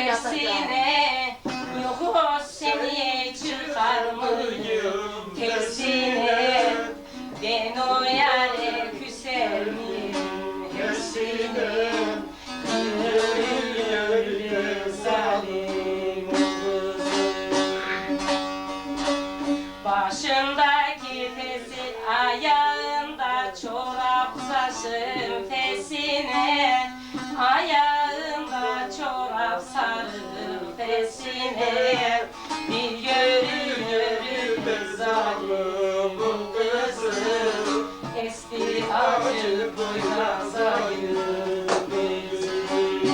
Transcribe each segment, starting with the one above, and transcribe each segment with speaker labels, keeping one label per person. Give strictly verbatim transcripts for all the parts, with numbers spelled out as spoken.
Speaker 1: tersine, yok seni çıkar mıyım tersine, ben o yâre küser miyim tersine, yürü yürü zalim kızım. Başındaki tesi ayağında çorap saçın fesine, ayağında çorap sarı fesine, bir yürü yürü be zalim kızım, esti acı boynazayım bezim.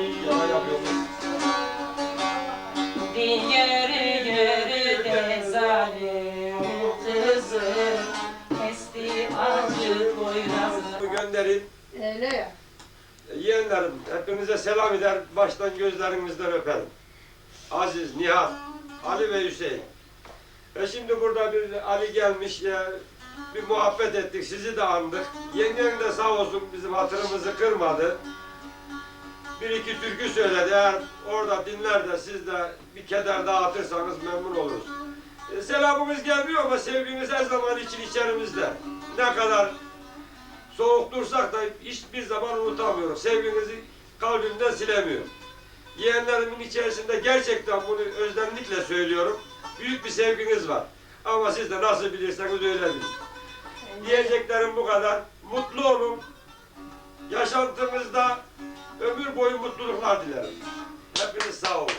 Speaker 1: Bir yürü yürü de zalim kızım, esti acı boynazım.
Speaker 2: Gönderin.
Speaker 3: Öyle ya.
Speaker 2: Yeğenlerim, hepinize selam eder, baştan gözlerinizden öperim. Aziz, Nihat, Ali ve Hüseyin. E şimdi burada bir Ali gelmiş ya, bir muhabbet ettik, sizi de andık. Yengen de sağ olsun bizim hatırımızı kırmadı. Bir iki türkü söyledi, eğer orada dinler de siz de bir keder dağıtırsanız memnun oluruz. E, selamımız gelmiyor ama sevgimiz her zaman için içerimizde. Ne kadar soğuk dursak da hiçbir zaman unutamıyorum. Sevginizi kalbimden silemiyorum. Yeğenlerimin içerisinde gerçekten bunu özlemlikle söylüyorum. Büyük bir sevginiz var. Ama siz de nasıl bilirseniz öyle bilin. Diyeceklerim bu kadar. Mutlu olun. Yaşantımızda ömür boyu mutluluklar dilerim. Hepiniz sağ olun.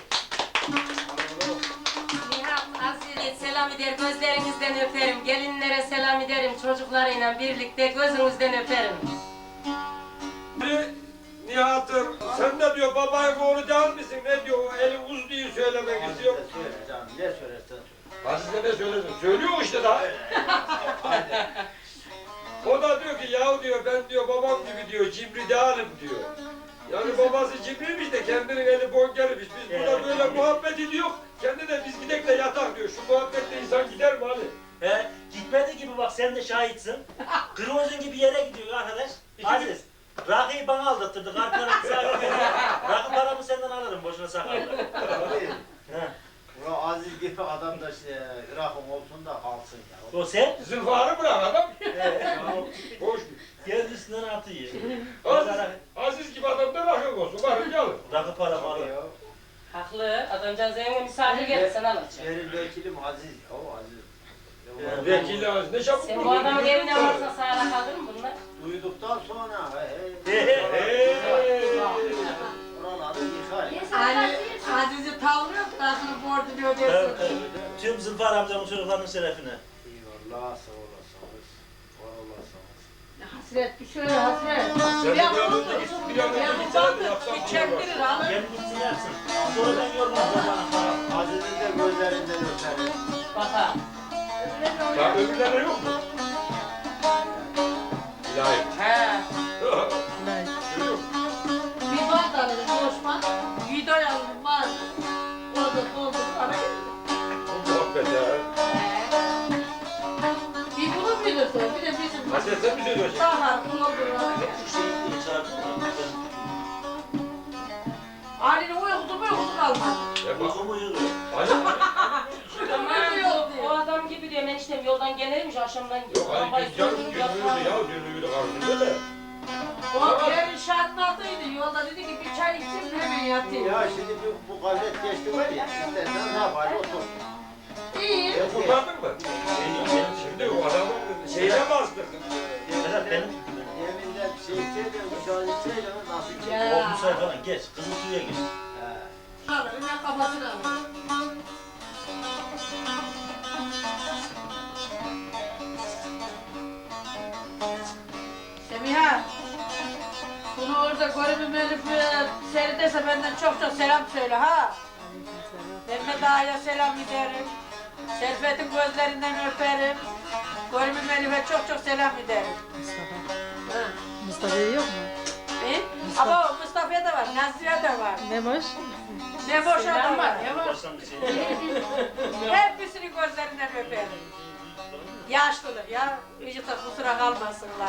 Speaker 1: Nihat, Azize selam eder, gözlerinizden öperim. Gelinlere selam ederim, çocuklarıyla birlikte gözünüzden öperim.
Speaker 2: Nihat'ım, sen ne diyor, babayın oğlu değil misin? Ne diyor, o eli uzluyu söylemek istiyor.
Speaker 4: Söyle canım, ne söylersen söyle.
Speaker 2: Azize ne söylesin? Söylüyor işte daha. O da diyor ki, yahu diyor, ben diyor babam gibi diyor, cimri değilim diyor. Yani babası cimriymiş de kendinin eli bonkermiş. Biz burada böyle muhabbet ediyor, kendi de biz gidek de yatak diyor. Şu muhabbetle insan gider mi Ali?
Speaker 4: He, gitmedi gibi bak sen de şahitsin. Kırmızın gibi yere gidiyor arkadaş. Aziz, rakıyı bana aldattırdı. Kartlarını sahibi. Rakı paramı senden alırım boşuna sakarlar.
Speaker 5: Abi, Ulan Aziz gibi adam da işte Irak'ın olsun da kalsın ya.
Speaker 4: O sen?
Speaker 2: Zülfarı bırak adam.
Speaker 4: He.
Speaker 2: Boş.
Speaker 4: Gel üstünden atıyor.
Speaker 2: Aziz, Aziz gibi adam da rakı olsun. Varın gelin.
Speaker 4: Rakı paramı alır.
Speaker 5: Ya.
Speaker 1: Haklı, adamcağız evine misafir geldi, sen alacaksın.
Speaker 5: Benim vekilim Aziz ya, o Aziz.
Speaker 4: Ya,
Speaker 2: Vekili Aziz, ne çabuk
Speaker 1: Sen
Speaker 2: vurdu.
Speaker 1: bu adamın evine varsa sağla kalır mı bunlar?
Speaker 5: Duyduktan sonra he
Speaker 4: He,
Speaker 5: he.
Speaker 4: he.
Speaker 2: Hey!
Speaker 5: Oraları yıkar ya.
Speaker 3: Ali Aziz'i tavlıyor, tarafını borcunu
Speaker 4: Evet,
Speaker 3: ödesin.
Speaker 4: evet. Tüm Zülfar amcamın çocuklarının şerefine.
Speaker 5: Eyvallah, sağ olasınız. Var olasınız.
Speaker 3: Hasret bir şöyle hasret.
Speaker 2: Sen de
Speaker 3: Bir
Speaker 2: bir an
Speaker 3: an
Speaker 2: önce git, bir an önce
Speaker 3: bu
Speaker 2: gitsene de
Speaker 3: baktı,
Speaker 2: yapsam
Speaker 3: bir
Speaker 2: bunu
Speaker 3: çektirir
Speaker 2: var.
Speaker 3: alır.
Speaker 4: Gel gitsin yapsın. Sonra ben yormam bana.
Speaker 5: Aziz'in de gözlerinden öperim.
Speaker 1: Baka.
Speaker 2: Ya öbürlerine yok mu? İlahi.
Speaker 1: He.
Speaker 2: Görüyor musun?
Speaker 3: Bir bant alır, boşman. Video alır, var. Orada doldurup ara
Speaker 2: Bu muhabbet ya.
Speaker 3: Bir bunu bilirsin, bir de bizim
Speaker 2: Hasret sen mi söylüyorsun?
Speaker 3: sağlar, doldurur ara
Speaker 4: Şu şeyi çağırdın mı?
Speaker 3: Ali'nin uykusu mu uykusu kalmadı.
Speaker 2: Ya bak.
Speaker 4: Uykumu yığıyor.
Speaker 2: Ali,
Speaker 1: Tamam, o adam gibi diyorum eniştem yoldan gelirmiş akşamdan
Speaker 2: yok Ali
Speaker 1: kafayı
Speaker 2: biz canım
Speaker 1: söndürüp
Speaker 2: gönüllüydü
Speaker 1: yatağa.
Speaker 2: ya, gönüllüydü karşımda da.
Speaker 3: O yerin şartlatıydı, yolda dedi ki bir çay içeyim hemen yatayım.
Speaker 5: Ya şimdi bu, bu gayret geçti var ya, istersen ne yapar otur.
Speaker 3: İyi.
Speaker 2: Sen kurtardın mı? Şimdi o adamın şeyine bastırdın.
Speaker 4: Vedat benim.
Speaker 5: Yeminden şey içeyle, uşağın içeyle nasıl
Speaker 3: Ya.
Speaker 5: içeyle?
Speaker 4: Olmuş falan geç. Kızıl suya geç.
Speaker 3: Alır, hemen kafasını alır. Semiha, bunu orada görümüm Elif'i seyredese benden çok çok selam söyle ha. Mehmet Ağa'ya selam ederim. Serfet'in gözlerinden öperim. Görümüm Elif'e çok çok selam ederim.
Speaker 6: Mustafa. Mustafa'yı yok mu?
Speaker 3: E? Ama Mustafa'ya da var, Nazlı'ya da var.
Speaker 6: Ne boş?
Speaker 3: Ne boş adam var, ne boş.
Speaker 4: Başlangıç şey.
Speaker 3: Hepsini gözlerinden öperim. Yaşlılar ya, vücutta kusura kalmasınlar.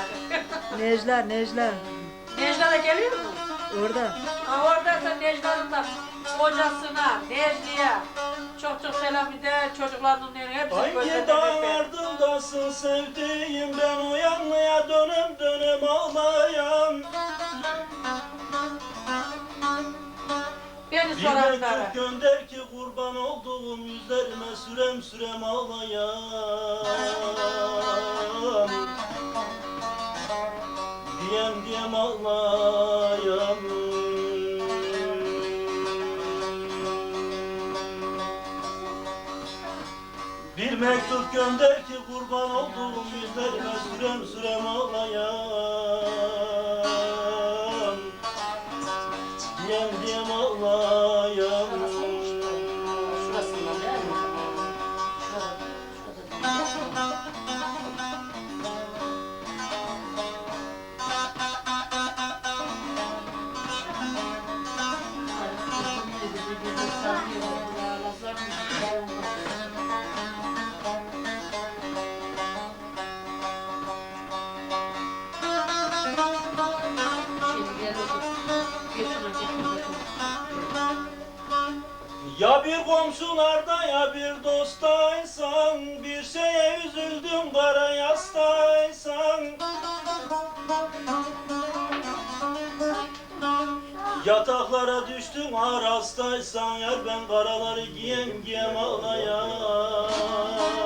Speaker 6: Necla, Necla.
Speaker 3: Necla da geliyor mu?
Speaker 6: Orada.
Speaker 3: Ha oradaysa Necla'nın da kocasına, Necli'ye çok çok selam eder. Çocuklarının hepsi
Speaker 4: Hangi
Speaker 3: gözlerinden
Speaker 4: dağ
Speaker 3: öper.
Speaker 4: ardındasın sevdiğim ben o yanlıya dönem dönem ağlayan.
Speaker 3: Beni
Speaker 4: Bir
Speaker 3: soranlara.
Speaker 4: mektup gönder ki kurban olduğum yüzlerime sürem sürem ağlayan. Diyem diyem ağlayan. Bir mektup gönder ki kurban olduğum yüzlerime sürem sürem ağlayan. Diyem diyem ağlayan.
Speaker 1: Şurasından değil mi? Şurada, şurada. Şimdi gel otur. Götür, götür, götür.
Speaker 4: Ya bir komşularda ya bir dostaysan, bir şeye üzüldüm kara yastaysan. Yataklara düştüm ağır hastaysan, yar ben karaları giyem giyem ağlayan.